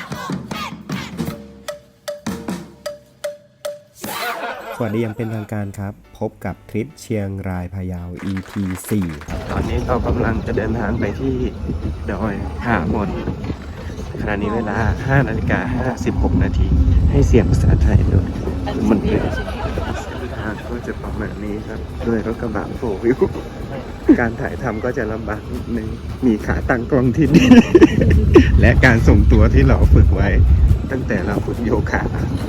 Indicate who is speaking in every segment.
Speaker 1: สวัสดียังเป็นทางการครับ พบกับทริปเชียงรายพะเยา EP 4ครับตอนนี้เรากำลังจะเดินทางไปที่ดอยผาหมนขณะนี้เวลา 5:56 นาทีให้เสียงภาษาไทยด้วยมันเป็นทางก็จะประมาณนี้ครับด้วยรถกระบะโฟวิวการถ่ายทำก็จะลำบากนิดนึงมีขาตั้งกล้องที่ดี และการส่งตัวที่เราฝึกไว้ตั้งแต่เราฝึกโยคะ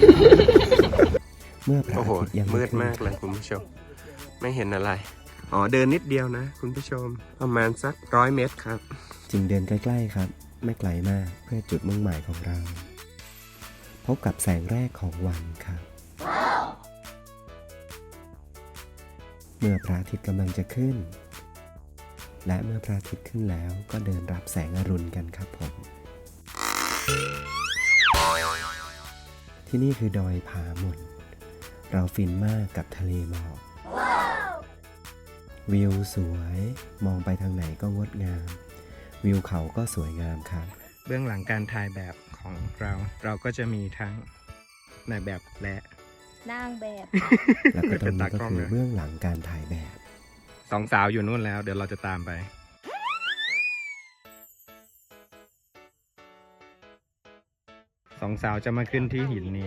Speaker 1: เมื่อพระอาทิตย์ยังมืดมากเลยคุณผู้ชมไม่เห็นอะไรอ๋อเดินนิดเดียวนะคุณผู้ชมประมาณสัก100 เมตรครับจึงเดินใกล้ๆครับไม่ไกลมากเพื่อจุดมุ่งหมายของเราพบกับแสงแรกของวันครับ เมื่อพระอาทิตย์กำลังจะขึ้นและเมื่อพระอาทิตย์ขึ้นแล้วก็เดินรับแสงอรุณกันครับผมที่นี่คือดอยผาหมนเราฟินมากกับทะเลหมอกวิวสวยมองไปทางไหนก็งดงามวิวเขาก็สวยงามครับเบื้องหลังการถ่ายแบบของเราก็จะมีทั้งนายแบบและ
Speaker 2: นางแบบ
Speaker 1: แล้วก็ตรงนี้ก็คือเบื้องหลังการถ่ายแบบสองสาวอยู่นู่นแล้วเดี๋ยวเราจะตามไปสองสาวจะมาขึ้นที่หินนี้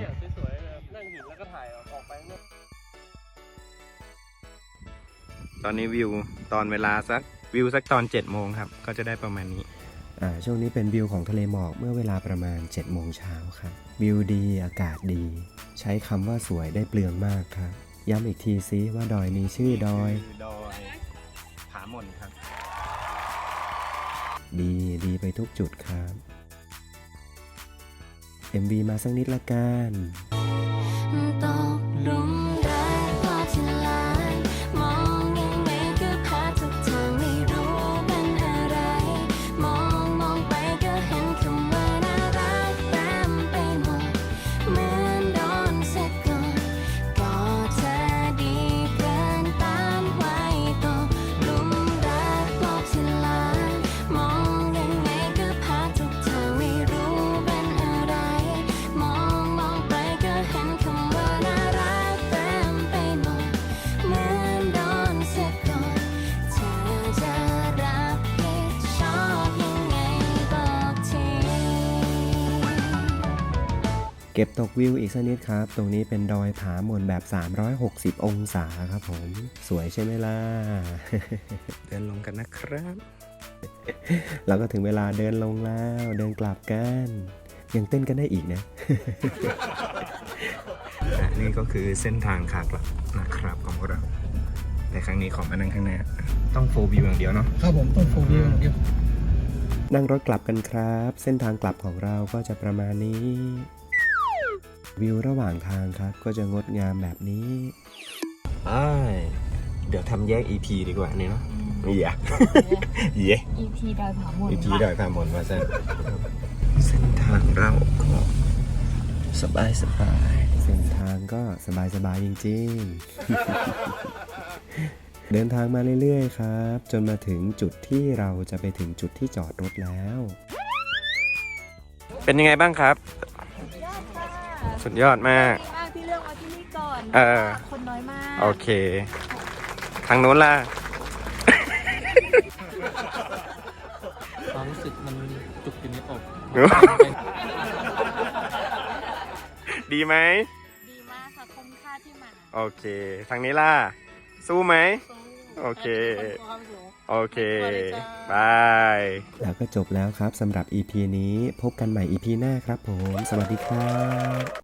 Speaker 1: ตอนนี้วิวตอนเวลาสักตอน7 โมงครับก็จะได้ประมาณนี้ช่วงนี้เป็นวิวของทะเลหมอกเมื่อเวลาประมาณ7 โมงเช้าครับวิวดีอากาศดีใช้คำว่าสวยได้เปลืองมากครับย้ำอีกทีซิว่าดอยนี้ชื่อดอยผาหมนครับดีไปทุกจุดครับ MV มาสักนิดละกัน
Speaker 2: ตกหลุมรักพอที่ลายมองยังไงก็พาทุกทางไม่รู้เป็นอะไรมองไปก็เห็นคำว่าน่ารักเต็มไปหมดเหมือนโดนเสร็จก่อนก็เธอดีเกินต้านไว้ตกหลุมรักพอที่ลายมองยังไงก็พาทุกทางไม่รู้เป็นอะไรมองไปก็เห็นคำว่าน่ารักเต็มไปหมดเหมือนโดนเสร็จก่อนเธอจะรับผิดชอบยังไงบอกที
Speaker 1: เก็บตกวิวอีกสักนิดครับ ตรงนี้เป็นดอยผาหมนแบบ360 องศาครับผมสวยใช่ไหมล่ะ เดินลงกันนะครับ แล้วก็ถึงเวลาเดินลงแล้วเดินกลับกันยังเต้นกันได้อีกนะ นี่ก็คือเส้นทางขากลับนะครับของพวกเราแต่ครั้งนี้ขอมานั่งข้างหน้าต้องโฟวิวอย่างเดียวเนาะ
Speaker 3: ครับผมต้องโฟวิวอย่างเดียว
Speaker 1: นั่งรถกลับกันครับ เส้นทางกลับของเราก็จะประมาณนี้วิวระหว่างทางครับก็จะงดงามแบบนี้เดี๋ยวทำแยก EP ดีกว่านี่เนาะเย่
Speaker 2: EP ดอยผาหมน
Speaker 1: EP ดอยผาหมนมาเส้นทางเราก็สบายเส้นทางก็สบายจริงๆ เดินทางมาเรื่อยๆครับจนมาถึงจุดที่เราจะไปถึงจุดที่จอดรถแล้วเป็นยังไงบ้างครับสุดยอดมาก
Speaker 2: ที่เลือกมาที่นี่ก่อนคนน้อยมาก
Speaker 1: โอเคทางโน้นล่ะ
Speaker 3: ความรู้สึกมันจุกอยู่ในอก
Speaker 1: ดีไหม
Speaker 2: ดีมากค่ะคุ้มค่าที่มา
Speaker 1: โอเคทางนี้ล่ะสู้ไหมโอเคบายแล้วก็จบแล้วครับสำหรับ EP นี้พบกันใหม่ EP หน้าครับผมสวัสดีครับ